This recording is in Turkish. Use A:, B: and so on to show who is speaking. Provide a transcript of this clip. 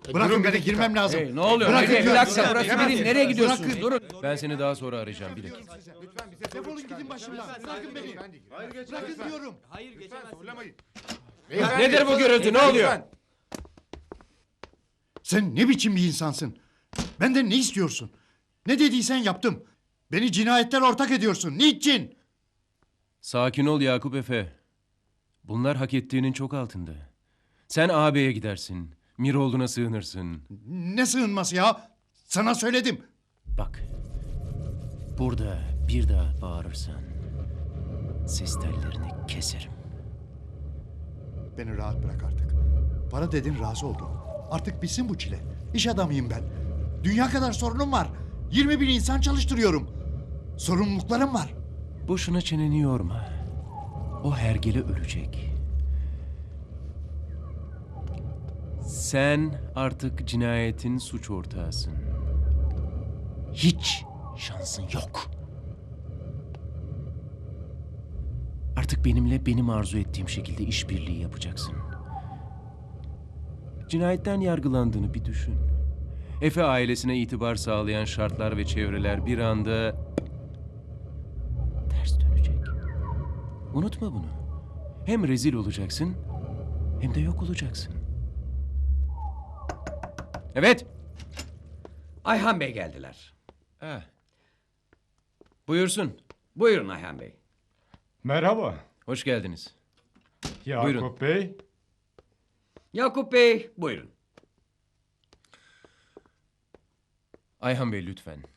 A: Bırakın beni, girmem lazım.
B: Hey, ne oluyor?
A: Bırakın
B: Haydi, bir
A: diyorum
B: dakika,
A: size.
B: burası
A: Bırakın.
B: benim. Nereye gidiyorsunuz?
A: Bırakın.
B: Durun. Ben seni daha sonra arayacağım, bir dakika.
A: Defolun gidin başımdan. Bırakın beni. Bırakın diyorum.
B: Nedir bu gürültü? Ne oluyor?
A: Sen ne biçim bir insansın? Benden ne istiyorsun? Ne dediysen yaptım. Beni cinayetler ortak ediyorsun. Niçin?
B: Sakin ol Yakup Efe. Bunlar hak ettiğinin çok altında. Sen ağabeye gidersin. Miroğlu'na sığınırsın.
A: Ne sığınması ya? Sana söyledim.
B: Bak. Burada bir daha bağırırsan ses tellerini keserim.
A: Beni rahat bırak artık. Para dedin, razı oldum. Artık bitsin bu çile. İş adamıyım ben. Dünya kadar sorunum var. 20 bin insan çalıştırıyorum. Sorumluluklarım var.
B: Boşuna çeneni yorma. O hergele ölecek. Sen artık cinayetin suç ortağısın. Hiç şansın yok. Artık benimle benim arzu ettiğim şekilde işbirliği yapacaksın. Cinayetten yargılandığını bir düşün. Efe ailesine itibar sağlayan şartlar ve çevreler bir anda ters dönecek. Unutma bunu. Hem rezil olacaksın hem de yok olacaksın. Evet.
C: Ayhan Bey geldiler.
B: Ha. Buyursun.
C: Buyurun Ayhan Bey.
D: Merhaba.
B: Hoş geldiniz.
D: Yakup
B: Buyurun.
D: Bey.
C: Yakup Bey, buyurun.
B: Ayhan Bey lütfen.